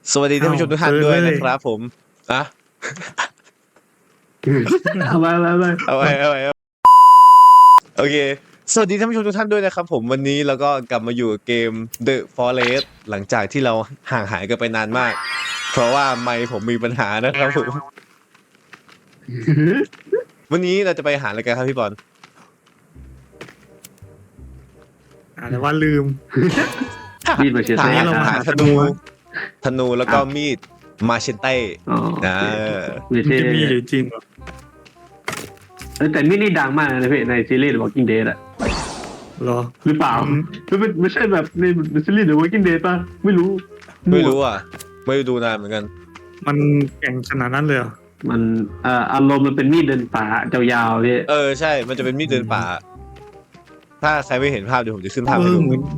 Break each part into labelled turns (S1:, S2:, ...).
S1: สวัสดีท่านผู้ชมทุกท่านด้วยนะครับผมอ่ะ
S2: เอาไป
S1: โอเคสวัสดีท่านผู้ชมทุกท่านด้วยนะครับผมวันนี้เราก็กลับมาอยู่กับเกม The Forest หลังจากที่เราห่างหายกันไปนานมาก เพราะว่าไมค์ผมมีปัญหานะครับผมวันนี้เราจะไปหาอะไรกันครับพี่บอล
S3: แต่ว่าลืม
S2: มีดมาเชียร์
S1: หา
S2: เต้
S3: เรามา
S1: หา
S3: หา
S1: ธนูแล้วก็มีดมาเชนเต้
S2: อ๋อ
S1: อ่า
S2: มี
S3: มัน
S2: เท่
S3: จะมีอยู่จริงเหรอ
S2: แต่มีดนี่ดังมากนะพี่ในซีรีส์ The Walking Dead อะ
S3: เหรอ
S2: หรือเปล่าไม่ใช่แบบในซีรีส์ The Walking Dead ป่ะไม่รู้
S1: ไม่รู้อ่ะไม่ได้ดูนานเหมือนกัน
S3: มันแข่งขนาดนั้นเลยเหรอ
S2: มันอารมณ์มันเป็นมีดเดินป่ายาวๆพี่
S1: ใช่มันจะเป็นมีดเดินป่า ถ้าใครไม่เห็นภาพเดี๋ยวผมจะขึ้นภาพ
S3: เอ
S1: ให้
S3: อ
S1: ดู
S3: เหมือน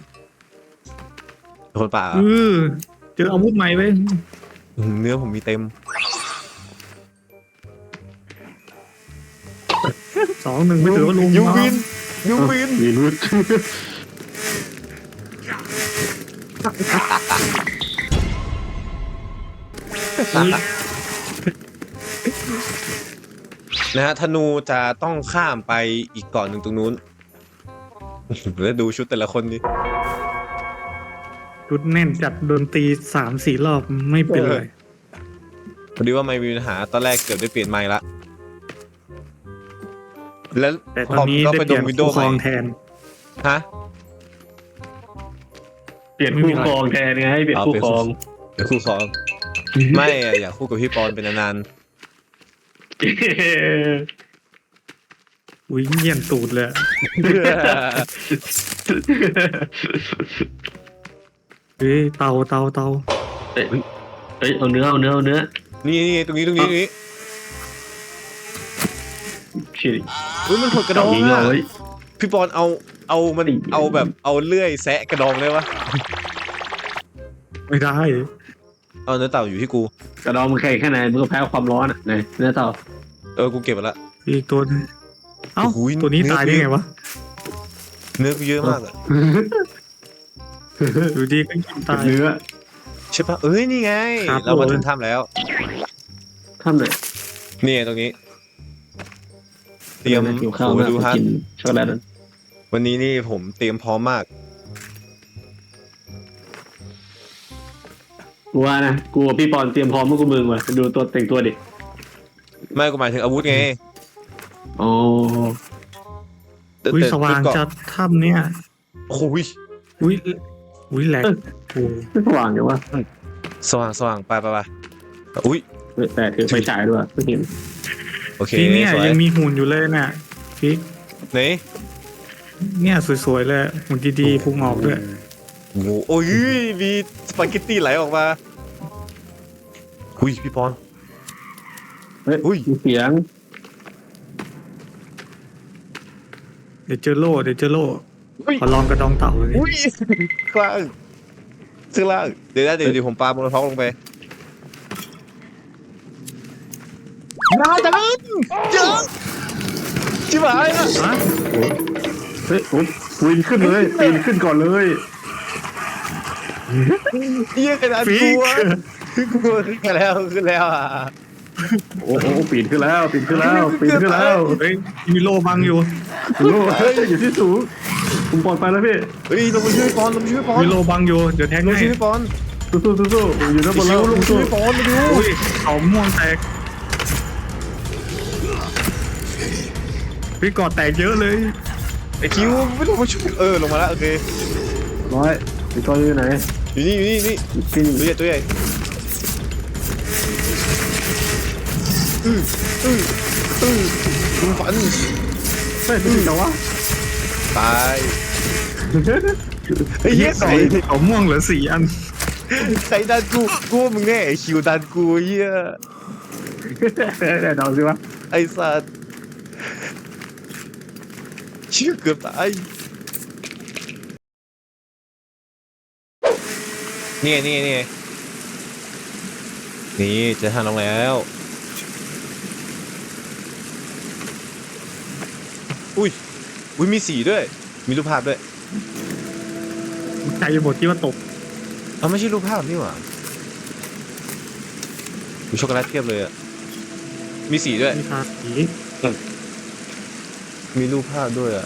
S1: คนป่า
S3: เออเจออาวุธใหม่ไว้ย
S1: เนื้อผมมีเต็ม
S3: 2-1ไม่ถือว่าลง
S1: ยู
S3: มา
S1: วินยูวิน
S2: มีรุด
S1: นะฮะธนูจะต้องข้ามไปอีกเกาะหนึ่งตรงนู้น แล้วดูชุดแต่ละคนดิ
S3: ชุดแน่นจัดดนตรี3-4 รอบไม่เป็นเลย
S1: พอดีว่าไม่มีปัญหาตอนแรกเกือบได้เปลี่ยนไมค์ละ แล้ว
S3: แต่ตอนนี้
S1: ก็
S3: ได้
S1: ไป
S3: เป
S1: ด
S3: ลี่ย
S1: ม
S3: น
S1: วินโด
S3: คู่
S1: ว์
S3: ค
S1: ให
S3: ร
S1: ม่
S3: องแทน
S1: ฮะ
S2: เปลี่ยนคู่ครองแทนไงเปลี่ยนคู่ครอง
S1: เดี๋ยวคู่ครอง ไม่อะอยากคู่กับพี่ปอนเป็นนาน
S3: อุ้ยเยี่ยนตูดเลยอะ
S1: ๆ
S3: เฮ้ยเตา
S2: เอ้ยเอาเนื้อ
S1: นี่ตรงนี้
S2: ชิริ
S1: อุ้ยมันผดกระดอง
S2: ยิง
S1: อ่ะ
S2: เลย
S1: พี่ปอนเอามันเอาแบบเอาเลื่อยแซะกระดองได้ปะ
S3: ไม่ได้
S1: เอาเนื้อเต่าอยู่ที่กู
S2: กระดองมันแข็งแค่ไหนมันก็แพ้ความร้อนอ่ะไหนเนื้อเต่า
S1: กูเก็บไปละ
S3: อีกตัวนึงเอ้า
S1: โอ้โห
S3: ตัวนี้ตายได้ไงวะ
S1: เนื้อกูเยอะมากอะ
S3: อยู่ดีก็ยิงตาย
S2: เนื้อ
S1: ใช่ปะเอ้ยนี่ไง
S3: ครับ
S1: เรามาถึงถ้ำแล้ว
S2: ทำไหน
S1: นี่ตรงนี้ เตรียม
S2: หิวข้าว
S1: โอ้
S2: มาก
S1: ดูฮะ
S2: กินช็อกโกแลตนั้น
S1: วันนี้นี่ผมเตรียมพร้อมมาก
S2: กูว่านะกูกับพี่ปอนเตรียมพร้อมเมื่อกูมึงว่ะดูตัวแต่งตัวดิ
S1: ไม่กูหมายถึงอาวุธไง
S2: โอ้
S1: แต่
S3: อุ้ย
S1: แต่
S3: สว่าง
S1: เกาะ
S3: จัดถ้ำเนี่ย
S1: โอ้ย
S3: อุ้ยแหลกโอ้
S2: ไม่สว่างอยู่วะ
S1: สว่างไปอุ้ย
S2: แต่ถือไฟฉายด้วยไม่เห็น
S1: โอเค
S3: พี่เนี่ย
S1: สวย
S3: ยังมีหุ่นอยู่เลยน่ะพี่
S1: ไหน
S3: เนี่ยสวยๆเลยหุ่นดีๆพุงออกด้วย
S1: โอ้โหโอ้ยมีสปาเกตตี้ไหลออกมาอุ้ยพี่ปอน
S2: เฮ้ย
S1: อุ้ย
S2: มีเสียง
S3: เดี๋ยวเจอโล่
S1: อุ้ย
S3: ขอลองกระดองเต่าเลย
S1: อุ้ยข้างล่างข้างล่างเดี๋ยวผมปาโมโนท็อกลงไปนาจังเยอะชิบหายละ
S3: ฮะ
S2: เฮ้ยผมปีนขึ้นเลยปีนขึ้นก่อนเลย
S1: เยี่ยขนาด
S3: ฟิ
S1: กลั
S3: ก
S1: วขึ้นแล้วอ่ะ
S2: โอ้โหปีนขึ้นแล้วปีนขึ้นแล้ว
S3: เฮ้ยมีโล่บังอยู่
S2: โอ้เฮ้ยอยู่ที่สูงผมปลอดภัยแล้วพี่
S1: เฮ้ยลงมาช่วยปอน
S3: มีโล่บังอยู่เดี๋ยวแทง
S1: ลง
S3: ให้
S1: ช่วยปอน
S2: สู้อยู่ด้านบน
S1: คิ
S2: แล้ว
S1: วลงช่วยปอนมาดู
S3: อุ้ยเขาม่วงแตกพี่กอดแตกเยอะเลย
S1: ไอคิวไม่ลงมาช่วยลงมาแล้วโอเค
S2: ร้อยอีกตัวอยู่ไหน
S1: อยู่นี่
S2: กิน
S1: ตัวใหญ่ลุงฝัน
S2: เฮ้ยพี่จ๋าวะ
S1: ตายไอ้เหี้ยใส่
S3: เขาม่วงเหลือ4 อัน
S1: ใส่ดันกูว่ามึงแน่ไอ้คิวดันกูเหี้ย
S2: เดี๋ยวเดาสิวะ
S1: ไอ้สัตว์ชื่อเกือบตายนี่เจอทางลงแล้วอุ้ยมีสีด้วยมีรูปภาพด้วย
S3: ใจหมดที่ว่าตก
S1: ไม่ใช่รูปภาพนี่หว่ามีช็อกโกแลตเทียบเลยอ่ะมีสีด้วย
S3: มีทาสี
S1: มีรูปภาพด้วยอ่ะ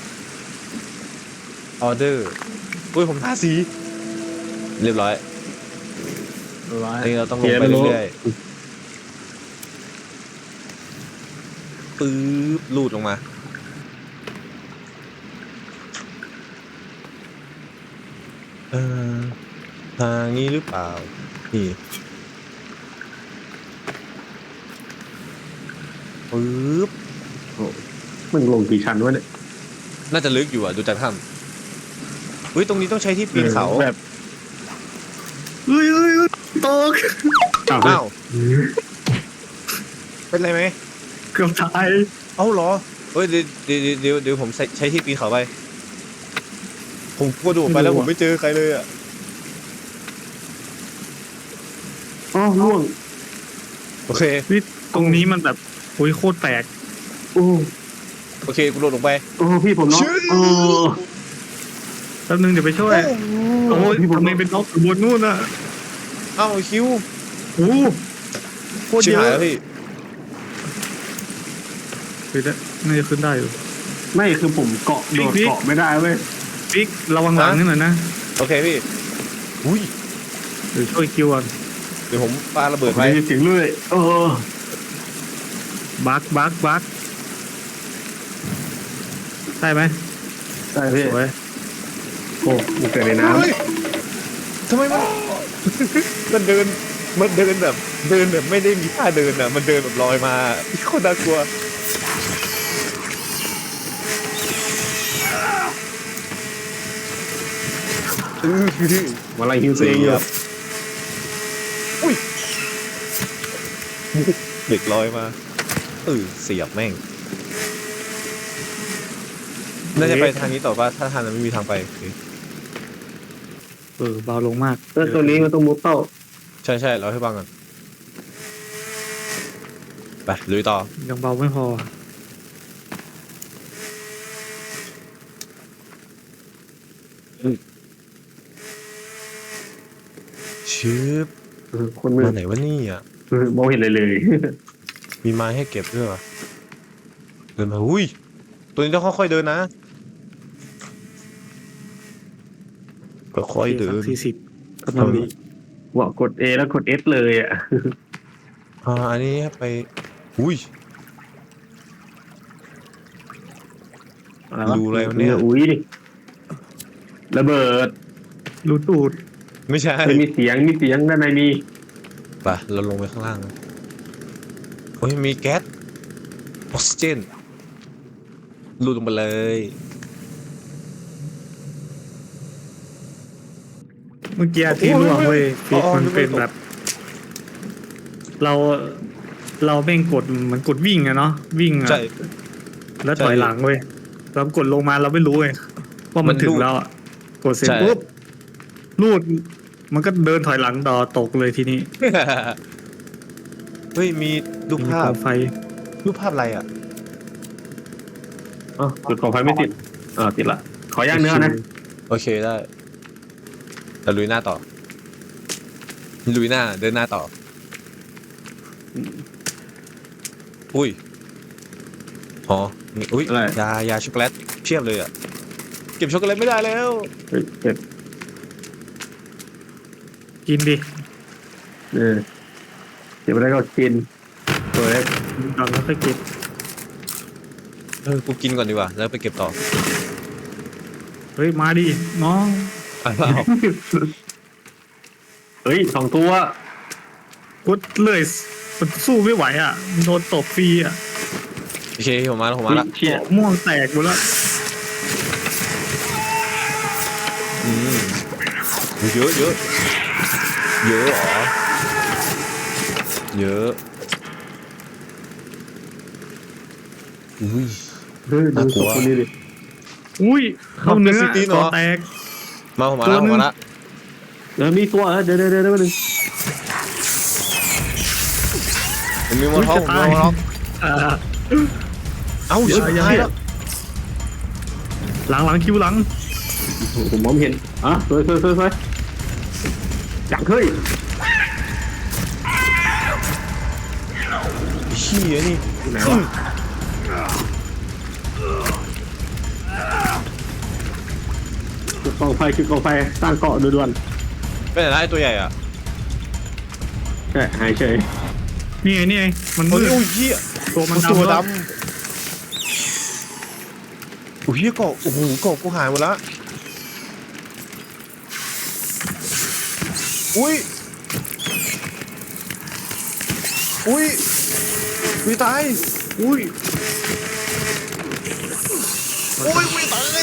S1: ออเดอร์อุ้ยผมทาสีเรียบร้อยอันนี้เราต้องลงไปเรื่อยๆปื๊บลูดลงมาทางนี้หรือเปล่านี่ปึ๊บ
S2: มึงลงกี่ชั้นวะเนี่ย
S1: น่าจะลึกอยู่อ่ะดูจากถ้ำเฮ้ยตรงนี้ต้องใช้ที่ปีนเขา
S2: แบบ
S3: เฮ้ยตก
S1: อ้าวเป็นไรไหม
S3: เกือบตาย
S1: เอ้าเหรอเฮ้ยเดี๋ยวผมใช้ที่ปีนเขาไปผมกระโดดไปแล้วผมไม่เจอใครเลยอ่ะ
S2: อ๋อล่วง
S1: โอเค
S3: วิตรงนี้มันแบบโอ้ยโคตรแตก
S2: โอ้
S1: โอเคกูโดดลงไป
S2: โอ้พี่ผมน็อกโอ้
S3: แป๊บนึงเดี๋ยวไปช่วยโอ้ยทำไมเป็นน็อกอยู่บนนู่นอ่ะ
S1: เอ้าคิว
S3: โอ้โคตร
S1: ชิบ
S3: เย
S1: หาย
S3: อะ
S1: แล้วพี่
S3: ขึ้นได้น่าจะขึ้นได้อยู่
S2: ไม่คือผมเกาะโดดเกาะไม่ได้เว้ย
S3: บิ๊กระวังหลังนิดหน่อยนะ
S1: โอเคพี่อุ้ย
S3: เดี๋ยวช่วยคิวก่อน
S1: เดี๋ยวผมปาระเบิดไป
S2: ไม่ได้เสียงเลย
S3: บักได้ไหม
S2: ใช่พี่
S3: สวย
S2: โอ้มันเกิดในน้
S1: เฮ้ยทำไมมัน มันเดินแบบไม่ได้มีท่าเดินอ่ะมันเดินแบบลอยมาโคตรน่ากลัว
S2: ำมาไล่ฮิว
S1: เสี
S2: ซี
S1: ยบอุ้ยเด็กลอยมาเสียบแม่งน่าจะไปทางนี้ต่อป่ะถ้าทางนั้นไม่มีทางไปโอเค
S3: เบาลงมาก
S2: แล้วตัวนี้มันต้องมุดเต้า
S1: ใช่เราให้ฟังก่อนไปลุยต่อ
S3: ยังเบาไม่พอ
S1: ชืบ
S2: คนมือ
S1: มาไหนวะนี่อ่ะ
S2: มองเห็นเลย
S1: มีไม้ให้เก็บด้วยวะเดินมาอุ้ยตัวนี้ต้องค่อยๆเดินนะค่อยๆเดิน
S3: 40กำลังดี
S2: ว่ากด A แล้วกด S เลยอ่ะ
S1: อันนี้ไปอุ้ย รูอะไรวะเนี่ย
S2: อุ้ยระเบิด
S3: รูตูด
S1: ไม่ใช่
S2: มีเสียงด้านในมี
S1: ไปเราลงไปข้างล่างนะโอ้ยมีแก๊สออกซิเจนรูดลงไปเลย
S3: เมื่อกี้ที่ร่วงเว้ยฟิกมันเป็นแบบ เราแม่งกดเหมือนกดวิ่งอะเนาะวิ่งอะ
S1: ใช่
S3: แล้วถอยหลังเว้ยเรากดลงมาเราไม่รู้ไงว่ามันถึงแล้วอะกดเสร็จ
S1: ใช่
S3: ปุ๊บลูดมันก็เดินถอยหลังต่อตกเลยทีนี้
S1: เฮ้ยมีรูปภาพ
S3: มีกองไฟ
S1: รูปภาพอะไรอ่ะ
S2: จุดกองไฟไม่ติดติดละขอย่างเนื้อนะ
S1: โอเคได้เราลุยหน้าต่อลุยหน้าเดินหน้าต่ออุ้ยอ๋อนี่อุ้ยยาช็อกโกแลตเพียบเลยอ่ะเก็บช็อกโกแลตไม่ได้แล้ว
S2: เก็บ
S3: กินดิ
S2: เก็บไปได้ก็กินตัวเล็ก
S3: ก่อนแล้วค่อยเก็บ
S1: กูกินก่อนดีกว่าแล้วไปเก็บต่อ
S3: เฮ้ยมาดิน้อง
S1: อ้าว
S2: เฮ้ย2 ตัว
S3: กดเลยมันสู้ไม่ไหวอ่ะมันโดนตบฟรีอ่ะ
S1: โอเคผมมาแล้ว
S2: เชี่ย
S3: ม่วงแตกหมดแล้ว
S1: เยอะเหรอเยอะอุ้ย
S2: ดูศพคนนี้ดิ
S3: อุ้ยเข้าเนื้อ
S1: มันเป็นซิตี้เนอะ
S3: คอแตก
S1: มาผมมาแล้ว
S3: ตัวหนึ่ง
S2: มีตัวเดี๋ยวมาดึง
S1: ผมมีมอเตอร์ผมมีมอเตอร์
S3: อ่า
S1: เอ้า
S3: เดี๋ยว
S1: ชิบ
S3: อย่า
S1: หายแล้ว
S3: หลังคิวหลัง
S2: ผมมองไม่เห็นสวยจังเฮ้ย
S1: ขี้ยนี่
S2: อยู่ไหนวะจุดกองไฟจุดกองไฟสร้างเกาะด่วน
S1: เป็นอะไรไอ้ตัวใหญ่อ่ะ
S2: ๆใช่หายเฉย
S3: นี่ไงมันมื
S1: โอ้ย
S3: ด
S1: โอ้ยเหี้ย
S3: ตัวมัน
S1: ตัว
S3: ดำ
S1: ดำโอ้ยเหี้ยเกาะโอ้โหเกาะกูหายหมดละอุ้ยอุ้ยอุ้ยตาย
S3: อุ้ย
S1: โอ้ยอุ้ยตาย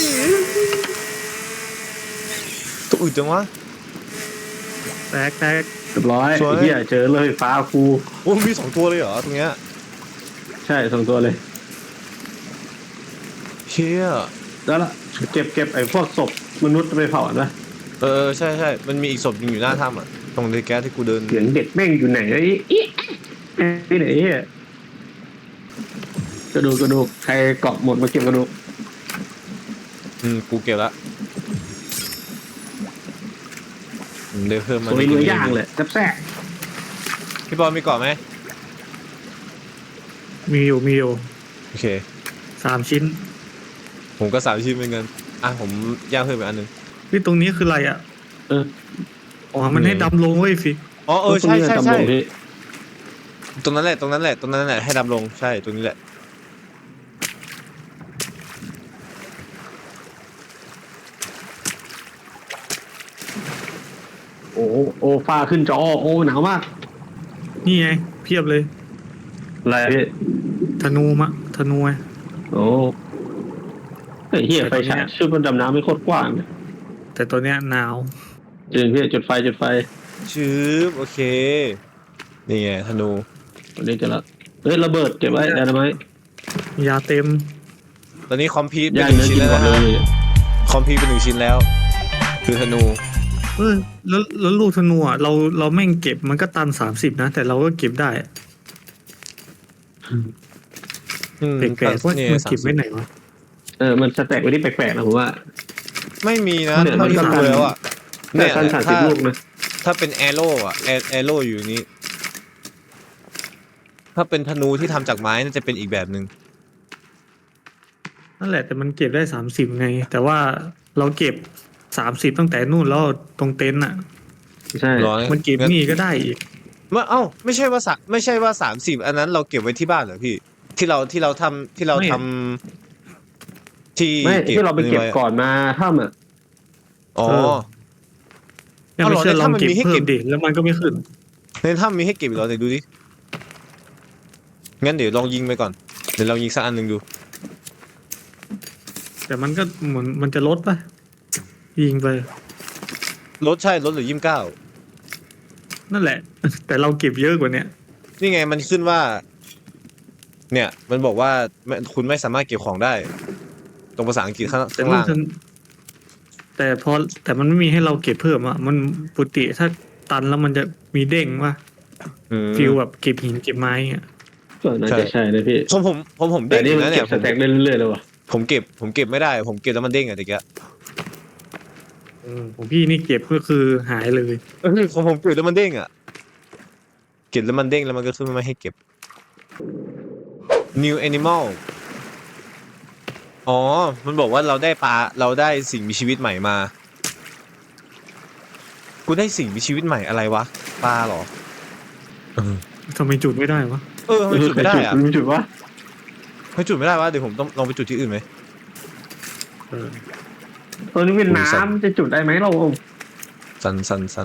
S1: ตัวอื่นจังวะ
S3: แตก
S2: เรียบร้อย
S1: สวย
S2: ไอ้เหี้ยเจอเลยฟ้าครู
S1: โอ้ยมี2 ตัวเลยเหรอตรงเนี้ย
S2: ใช่2 ตัวเลย
S1: เชี่ย
S2: แล้วล่ะเก็บไอ้พวกศพมนุษย์ไปเผาอ่ะนะ
S1: ใช่ใช่มันมีอีกศพหนึงอยู่หน้าถ้ำอ่ะตรงเดแก๊สที่กูเดิน
S2: เสียงเด็กแม่งอยู่ไหนไอ้อีที่ไหนเหี้ยกระดูกใครเกาะหมดมาเก็บกระดูก
S1: กูเก็บละเดี๋ยวเพิ่มมา
S2: สวยเนื้อย่างเลยแซ่บ
S1: พี่บอลมีเกาะไหม
S3: มีอยู่
S1: โอเค
S3: 3 ชิ้น
S1: ผมก็3 ชิ้นเหมือนกันผมย่างเพิ่มอีกอันหนึง
S3: พี่ตรงนี้คืออะไรอ่ะ
S2: เออ
S3: อ๋อมันให้ดำลงเว้ยฟิก
S1: อ๋อใช่ใช่
S2: ตรง
S1: ใช่
S2: นี้ตำรวจพี่
S1: ตรงนั้นแหละให้ดำลงใช่ตรงนี้แหละ
S2: โอ้ฟ้าขึ้นจอโอ้หนาวมาก
S3: นี่ไงเพียบเลย
S2: อะไรพี่
S3: ธนูไง
S2: โอ้ไอ้เหี้ยไฟฉายชุดมันดำน้ำไม่โคตรกว้างเลย
S3: แต่ตัวเนี้ยหนาว
S2: จริงพี่จุดไฟ
S1: ชืบโอเคนี่ไงธนู
S2: วันนี้จะละเฮ้ยระเบิดเก็บไว้ได้ไหม
S3: ยาเต็ม
S1: ตอนนี้คอมพิวต์เป็น
S2: ย่าง
S1: 1
S2: เนื้อ
S1: ชิ้น
S2: กิน
S1: แล้ว
S2: ก่อน
S1: นะ
S2: เล
S1: ฮะ
S2: ย
S1: คอมพิวต์เป็น1 ชิ้นแล้ว คือธนู
S3: แล้วลูกธนูอ่ะเราแม่งเก็บมันก็ตัน30นะแต่เราก็เก็บได้แปลกๆว่า
S1: เนี่ย
S3: มันเก็บไว้ไหนวะ
S2: มันสแต็กไว้ที่แปลกๆนะผมว่า
S1: ไม่มีนะ
S2: เนี่ย
S1: เท่าที่
S2: มันก็
S1: ดูแล้วอ่ะ
S2: แต่ท่าน30 ลูกนะ
S1: ถ้าเป็นแอโร่อะแอโร่อยู่นี้ ถ้าเป็นธนูที่ทำจากไม้น่าจะเป็นอีกแบบหนึ่ง
S3: นั่นแหละแต่มันเก็บได้30ไง แต่ว่าเราเก็บ30ตั้งแต่นู่นแล้วตรงเต็นท์อ่ะ
S2: ใช่
S1: ร้อย
S3: มันเก็บนี่ก็ได้อีก
S1: ไม่ใช่ว่า30อันนั้นเราเก็บไว้ที่บ้านเหรอพี่ ที่เราทำที่
S2: ไม่ที่เราไปเก็บ
S1: ว้
S2: ก่อนมาถ้ำอ่ะ
S1: อ๋อ
S3: ยังไม่เชื่อ
S1: เอาเหรอ
S3: ลองเก็บ
S1: ในถ้ำมันมีให้
S3: เพิ่
S1: เก็
S3: ม
S1: บ
S3: ดิแล้วมันก็ไม่ขึ้น
S1: ในถ้ำมีให้เก็บอีกเหรอเดี๋ยวดูดิงั้นเดี๋ยวลองยิงไปก่อนเดี๋ยวลองยิงสักอันหนึ่งดู
S3: แต่มันก็เหมือนมันจะลดปะยิงไป
S1: ลดเหลือ29
S3: นั่นแหละ แต่เราเก็บเยอะกว่าเนี้ย
S1: นี่ไงมันขึ้นว่า เนี่ย มันบอกว่าคุณไม่สามารถเก็บของได้ ตรงภาษาอังกฤษข้าง
S3: แต่
S1: ล่าง
S3: แต่มันไม่มีให้เราเก็บเพิ่มอ่ะมันปกติถ้าตันแล้วมันจะมีเด้งว่า
S1: อืม
S3: ฟิลแบบเก็บหินเก็บไม้อ่ะ
S2: ก็น่าจะใช่นะพี่
S1: ผม
S2: แต่
S1: เด้งอ
S2: นี่
S1: ยู่
S2: มัน
S1: นะ
S2: เก็
S1: เนี่ย
S2: บสแต็กเรื่อยๆเลยว่ะ
S1: ผมเก็บไม่ได้ ผมเก็บแล้วมันเด้งอะตะกี้
S3: ของพี่นี่เก็บก็คือหายเลย
S1: ของผมเก็บแล้วมันเด้งอะเก็บแล้วมันเด้งแล้วมันก็ขึ้นมาให้เก็บ new animal อ๋อ มันบอกว่าเราได้สิ่งมีชีวิตใหม่มา กูได้สิ่งมีชีวิตใหม่อะไรวะ ปลาเหรอ
S3: ทำไมจุดไม่ได้วะ
S1: ทำไมจุดไม่ได้อะ
S2: จุดวะ
S1: ทำไมจุดไม่ได้วะ เดี๋ยวผมต้องลองไปจุดที่อื่นไหม
S2: ตอนนี้เป็นน้ำจะจุดได้ไหมเรา
S1: สัน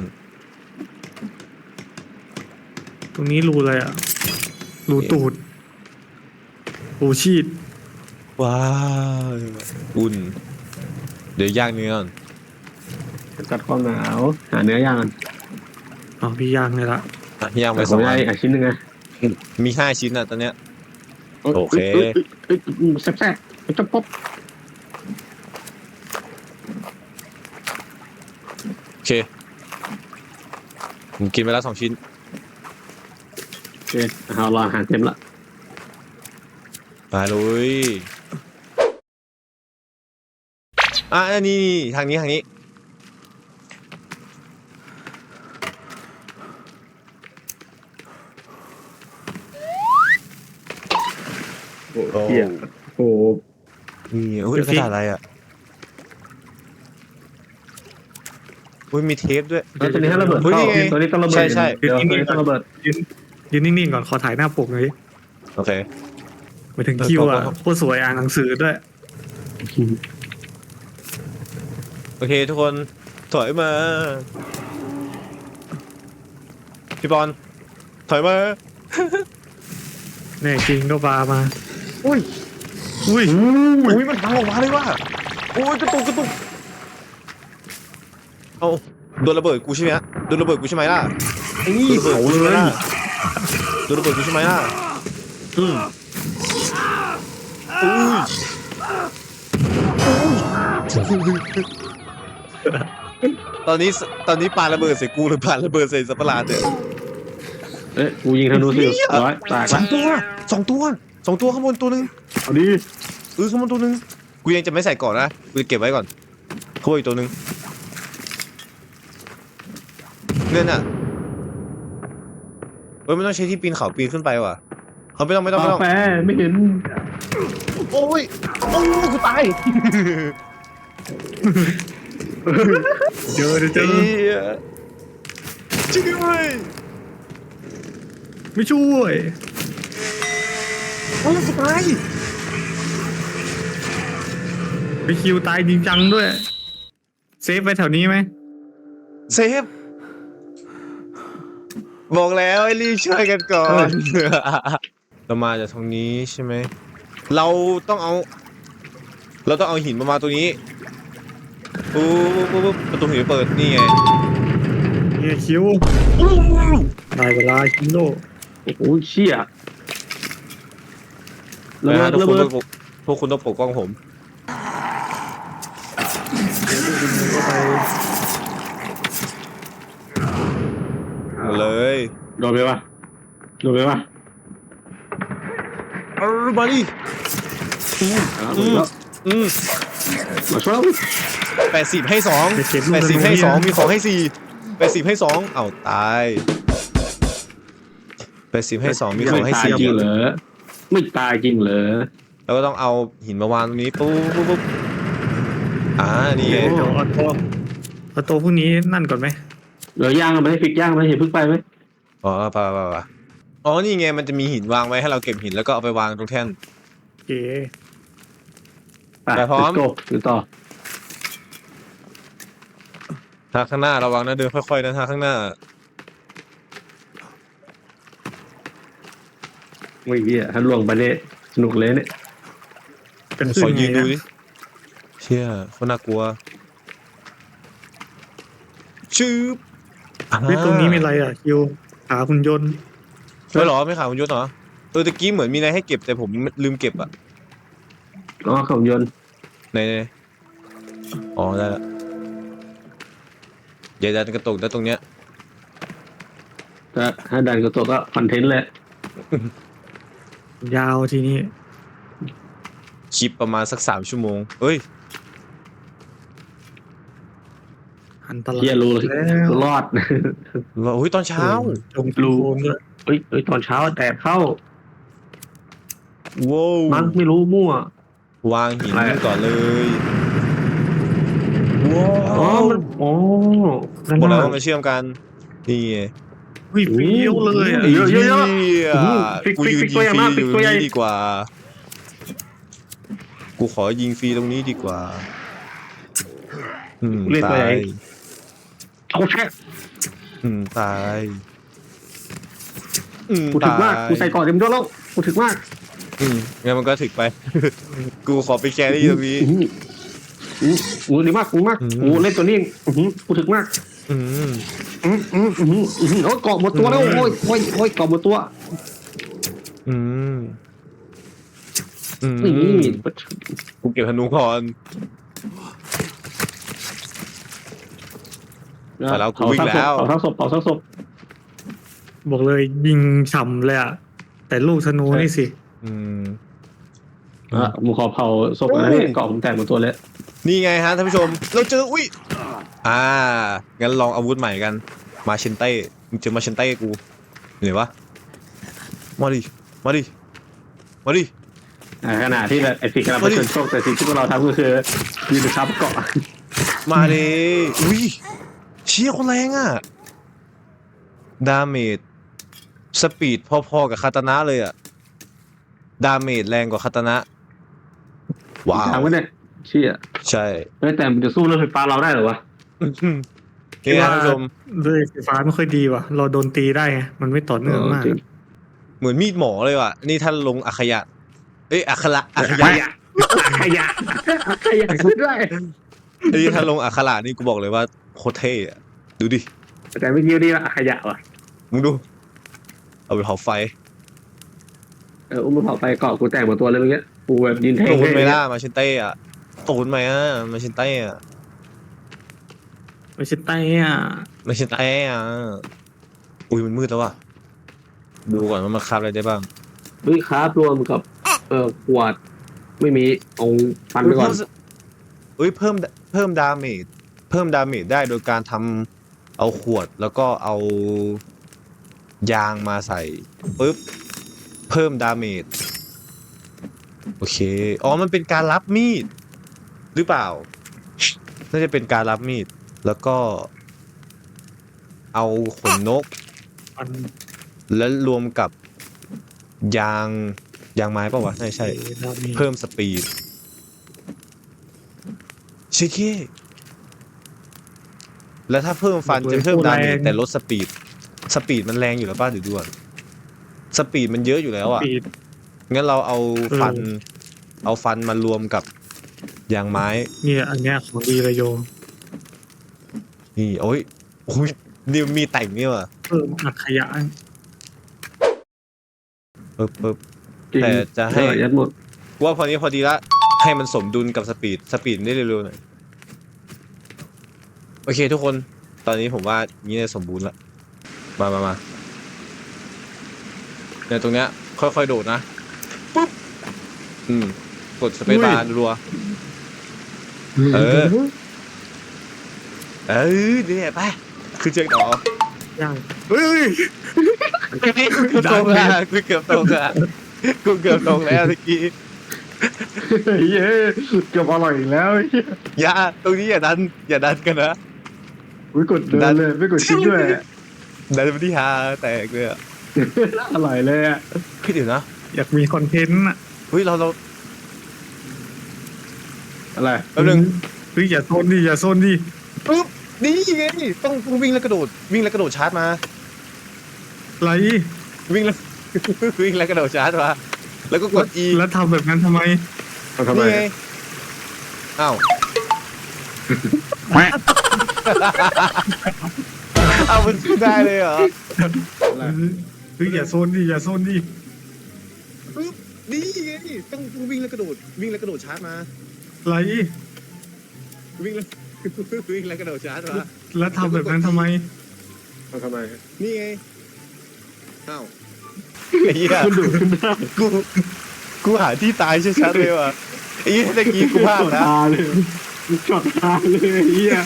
S3: ตรงนี้รูอะไรอ่ะ รูตูดรูชีด
S1: ว้าวอุ่น เดี๋ยวย่างเนื้อก่อน
S2: กัดความหนาวหาเนื้อย่างกัน
S3: อ๋อพี่ย่างเลยละ
S1: ย่างไป
S2: แต่ผ
S1: สอ
S2: ม
S1: งอั
S2: ได้
S1: น
S2: ชิ้นหนึ่งไง
S1: มี5 ชิ้นอะตอนเนี้ย โอเค
S2: แซ่บๆจะป๊บ
S1: โอเค ผมกินไปแล้ว2 ชิ้น
S2: โอเคเอารออาหารเต็มละ
S1: มาเลยอันนี้ทางนี้
S2: โอ้เหี้ยโอ้
S1: นี่อุ้ยกระดาษอะไรอ่ะอุ้ยมีเทปด้วย
S2: แล้วตัวนี้ให้ระเบิด
S1: เฮ้ย
S2: เข้า
S1: นี่ไง
S2: ตัวนี้ต้องระเบิด
S1: ใช่
S2: เดี๋ยวตัวนี้ต้องระเบิด
S3: ยืนนิ่งๆก่อนขอถ่ายหน้าปกหน่อย
S1: โอเค
S3: ไปถึงคิวอ่ะโคตรสวยอ่านหนังสือด้วย
S1: โอเคทุกคนถอยมาพี่บอลถอยมา
S3: แน่จริงก็ปามา
S1: อุ้ย
S3: อุ้ย
S1: อุ้ยมันพังออกมาเลยว่ะโอ้ยกระตุกเอาโดนระเบิดกูใช่ไหมฮะโดนระเบิดกูใช่ไหมล่ะ
S2: นี่เผาเลย
S1: โดนระเบิดกูใช่ไหมล่ะอุ้ยตอนนี้ปาระเบิดใส่กูหรือปาระเบิดใส่สัตว์ประหลาดเนี่ย
S2: เอ๊ะกูยิงธนูสิร้อยแตก
S1: ส
S2: ละ
S1: องตัวข้างบนตัวหนึง
S2: เอาดิ
S1: ข้างบนตัวหนึงกูยังจะไม่ใส่ก่อนนะกูจะเก็บไว้ก่อนข้างบนอีกตัวหนึงเนี่ยน่ะเฮ้ยไม่ต้องใช้ที่ปีนเขาปีนขึ้นไปว่ะเขาไม่ต้อง
S2: กาแฟไม่เห็น
S1: โอ้ยกูตาย
S3: เจอ
S1: ช่วยด้วย
S3: ไม่ช่วย
S1: โอ้ยกูตาย
S3: ไปคิวตายจริงจังด้วย เซฟไปแถวนี้ไหม
S1: เซฟบอกแล้วให้รีบช่วยกันก่อน เรามาจากตรงนี้ใช่ไหมเราต้องเอาหินมาตรงนี้ปุ๊บประตูหินเปิดนี่ไง
S3: เนี่ยคิวได้เวลาคิโล
S2: โอ้ยเชี่ยระ
S1: นะ
S2: เบิ
S1: ฮะ
S2: ด
S1: พวกคุณต้องปกป้องผม
S3: ก็ไป
S1: เลย
S2: โดนไปปะ
S1: มาดิ
S2: มาช่วย
S1: 80 ให้2 80 ให้ 2มีของให้4 80 ให้2เอ้าตาย80 ให้ 2มีของให้
S2: ตายจริงเหรอไม่ตายจริงเหรอ
S1: 4แล้วก็ต้องเอาหินมาวางตรงนี้ปุ๊บนี่ไง
S3: เดี๋ยวเอาตัวพวกนี้นั่นก่อนไหม
S2: เดี๋ยวย่างมันให้ฟิกย่างมันให้เห็นพึ่งไปไหม
S1: อ๋อไปอ๋อนี่ไงมันจะมีหินวางไว้ให้เราเก็บหินแล้วก็เอาไปวางตรงแท่น
S3: เก๋
S1: ไปพร้อม
S2: โก้อยู่ต่อ
S1: ทางข้างหน้าระวังนะเดินค่อยๆนะทางข้างหน้า
S2: ไม่เหี้ยถ้าล่วงไปเนี่ยสนุกเลยเนี่ย
S3: เป็น
S1: ข
S3: ซึ่
S1: อง ยืน
S3: ไง
S1: ดู
S3: อะ
S1: ดิเชี่ยคนน่ากลัวชืบ
S3: เฮ้ยตรงนี้มีอะไรอ่ะคิวขาหุ่นยนต์
S1: ไม่หรอไม่ข่าวคุณยศเหรอตะกี้เหมือนมีอะไรให้เก็บแต่ผมลืมเก็บอะ
S2: อ๋อของยนต์
S1: ในอ๋อได้ละอย่าดันกระตุกนะตรงเนี้ย
S2: ถ้าดันกระตัวก็คอนเทนต์แหละ
S3: ยาวทีนี้
S1: คลิปประมาณสัก3 ชั่วโมงเอ้ย
S3: อันตราย
S2: เหี้ยรู้เลย
S3: แล้ว
S2: รอด
S1: โอ้ยตอนเช้า
S3: จงรูนด้วย
S2: เฮ้ยตอนเช้าแดดเข้า
S1: ว้าว
S2: มั้งไม่รู้มั่ว
S1: วางหิน
S2: อะไรอะ
S1: ก่อนเลยว้า
S2: อ๋อ
S1: ว
S2: มันอ๋อนั่น
S1: หมดแล้ว
S2: น่ะ
S1: มาเชื่อมกันนี่ไง
S3: วิ่งเฟี้ยวเลยอะ
S2: เยอะ
S1: เหี้
S2: ฟิก
S1: กูยืน
S2: ฟิก
S1: ยิง
S2: ตัวใหญ่
S1: ฟรี
S2: มาก
S1: อ
S2: ฟิก
S1: ยู่
S2: ตัวใหญ่
S1: นี่ดีกว่า กูขอยิงฟรีตรงนี้ดีกว่าตาย
S2: เอาแค่
S1: ตาย
S2: กูถึกมากกูใส่ก่อนเต็มด้วยแล้วกูถึกมาก
S1: งั้นมันก็ถึกไป กูขอไปแครี่ตรงนี้
S2: กูดีมากกูมากกูเล่นตัวนี้กูถึกมาก
S1: อืม
S2: โอ้ยเกาะหมดตัวแล้วโอ้ยเกาะหมดตัว
S1: อืม
S2: นี่
S1: กูเก็บธนูก่อน แต่เรากูวิ่งแล้ว
S2: เผาทั้งศพ
S3: บอกเลยยิงฉ่ำเลยอ่ะแต่ลูกธนูนี่สิ
S1: อืม
S2: มึงขอเผาศพนะนี่เกาะผมแตกหมดตัวเลย
S1: นี่ไงฮะท่านผู้ชม เราเจออุ้ยงั้นลองอาวุธใหม่กันมาเชนเต้มึงเจอมาเชนเต้กูอยู่ไหนวะมาดิ
S2: ขณะที่ไอ้สิ่งที่เราไปชนโชคแต่สิ่งที่พวกเราทำก็คือยืนทับเกาะ
S1: มาดิอุ้ยเชี่ยคนแรงอ่ะดาเมจสปีดพอๆกับคาตานะเลยอ่ะดาเมจแรงกว่าคาตานะว้าว
S2: ถามว่าเนี่ยเชี่ย
S1: ใช่
S2: แต่มันจะสู้เรื่องไฟฟ้าเราได้เหรอวะ
S1: นี่นะท่านผู้ชม
S3: ด้วยไฟฟ้าไม่ค่อยดีว่ะ เราโดนตีได้ไงมันไม่ต่อเนื่องมาก
S2: จริง
S1: เหมือนมีดหมอเลยว่ะนี่ท่านลงอัคยะเอ้ยอัคระอัค
S2: ข
S1: ยะ
S2: ยะขยะขยะด้วย
S1: ไอ้ท่านลงอัคระนี่กูบอกเลยว่าโคตรเท่อะดูดิ
S2: แต่ไม่คิดนี่ว่าขยะว่ะ
S1: มึงดูเอาไปเผาไฟ
S2: อุ้มมาเผาไปเกาะกูแตกหมดตัวเลยเมื่อกี้กูแบบยินเท่
S1: ตูนไหมล่ะมาชินเต้อะตูนไหมอ่ะมาชินเต้อะ
S3: ไม่ใช่ไต้อ่ะ
S1: มาชินเต้อะอุ้ยมันมืดแล้วว่ะดูก่อนว่ามันคาบอะไรได้บ้าง
S2: เฮ้ยครับรวมกับขวดไม่มีองค์ฟันไปก่อน
S1: อุ้ยเพิ่มดาเมจได้โดยการทำเอาขวดแล้วก็เอายางมาใส่ปุ๊บเพิ่มดาเมจโอเคอ๋อมันเป็นการรับมีดหรือเปล่าน่าจะเป็นการรับมีดแล้วก็เอาขนนก
S3: มัน
S1: แล้วรวมกับยางไม้ป่าวะใช่
S3: ดาเมจ
S1: เพิ่มสปีดชิคกี้แล้วถ้าเพิ่มฟันจะเพิ่มดาเมจแต่ลดสปีดมันแรงอยู่แล้วป่ะเดี๋ยวดูก่อนสปีดมันเยอะอยู่แล้วอ่ะ
S3: ปีด
S1: งั้นเราเอาฟันมารวมกับยางไม้
S3: เนี่ยอันเนี้ยของดีเลยโยม
S1: นี่โอ้ยนี่มีแต่งนี่ว่ะ
S3: เพิ่มอัดขยะ
S1: ปึ๊บ
S2: จริง
S1: แต่จะให้
S2: ยัดหมด
S1: ว่าพอดีละให้มันสมดุลกับสปีดได้เร็วๆหน่อยโอเคทุกคนตอนนี้ผมว่านี้สมบูรณ์ละมาเนี่ยตรงเนี้ยค่อยๆโดดนะปุ๊บกดสเปซบาร์รัวเออเนี่ยไปคือเจอต่อย่าง เฮ้ยกูเกือบตรงแล้วเกือบตรงแล้วเมื่อกี้
S2: เย้เกือบอร่อยอีกแล้ว
S1: อย่าตรงนี้อย่าดันกันนะ
S2: ไม่กดเดินเลยไม่กดชิปด้วย
S1: ดันไปที่ฮาแตกเลยอ่ะ
S2: อร่อยเลยอ่ะ
S1: พี่เดี๋ยวนะ
S3: อยากมีคอนเทนต์อ่ะ
S1: เฮ้ยเรา
S2: อะไร
S1: แป๊บนึง
S3: เฮ้ยอย่าโซนดิ
S1: ปุ๊บนี่ไงต้องวิ่งแล้วกระโดดชาร์จมา
S3: ไร
S1: วิ่งแล้ว วิ่งแล้วกระโดดชาร์จมาแล้วก็กด E
S3: แล้วทำแบบนั้นทำไม
S2: ทำไม
S1: นี่ไงอ้าวเอามันขึ้นได้เลยเหรอ
S3: เฮ้ยอย่าโซนดิ
S1: ปุ๊บนี่ไงต้องวิ่งแล้วกระโดดชาร์จมา
S3: ไร
S1: วิ่งแล้ว วิ่งแล้วกระโดดชาร์จมา
S3: แล้วทำแบบนั้นทำไม
S2: ทำไม
S1: นี่ไงอ้าวไอ้เหี้ย
S2: มันดูดขึ้นได้
S1: กูหาที่ตายชัดๆเลยว่ะไอ้เหี้ยตะกี้กูพลาดนะ
S2: ตาเลยจอดตาเลยเฮีย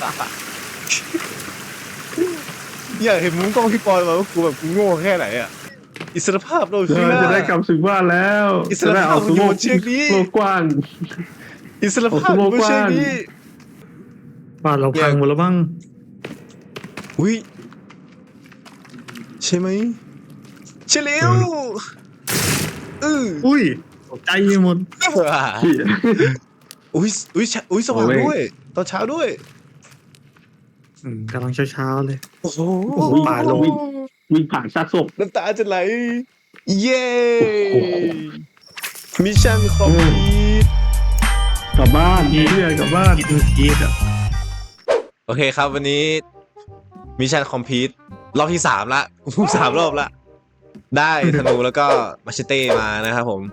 S1: อยากเห็นมุ้งกล้องพี่ปอยมาว่ากูแบบกูโง่แค่ไหนอ่ะอิสรภาพเรา
S2: เรา
S1: คือ
S2: จะได้กลับถึงบ้านแล้ว
S1: อิสรภาพมันอยู่บนเชือกนี้
S2: โลกกว้าง
S1: อิสรภาพมันไม่ใช่นี้
S3: บ้านเราพังหมดแล้วบ้าง
S1: อุ้ยใช่ไหมใช่แล้ว
S3: อุ้ยตกใจหมด
S1: อุ้ยสว่างด้วยตอนเช้าด้วย
S3: กำลังเช้าๆเลย
S1: โอ้โห
S3: โอ้โหป่าลง
S2: วิ่งผ่านซากศพ
S1: น้ำตาจะไหลเย้มิชชั่นคอมพลีท
S2: กลับบ้านเพื่อนกลับบ้าน
S3: กินชีสอ่ะ
S1: โอเคครับวันนี้มิชชั่นคอมพลีทรอบที่3ละ3 รอบละได้ธนูแล้วก็มาชเต้มานะครับผม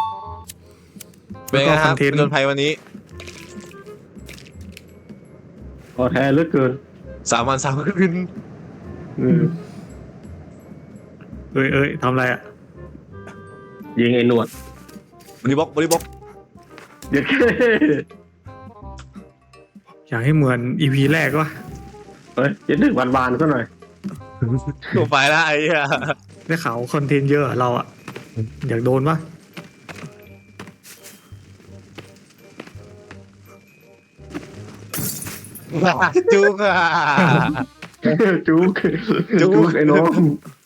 S1: เป็นไงครับผจญภัยวันนี้
S2: ขอแท้เหลือเกิน
S1: 3 วัน 3 คืน
S3: เอ้ยทำอะไรอ่ะ
S2: ยิงไอ้หนวด
S1: บริบ็อก
S2: เดี๋ยวแค่
S3: อยากให้เหมือนอีพีแรกวะ
S2: เฮ้ยจะดึกวานๆซะหน่อย
S1: ตัวไปละไอ้เหี้ย
S3: ได้ข่าวคอนเทนต์เยอะอะเราอ่ะ อยากโดนปะ
S1: จุกอ่ะ
S2: จุก
S1: จุก
S2: จุกไอ้น้อง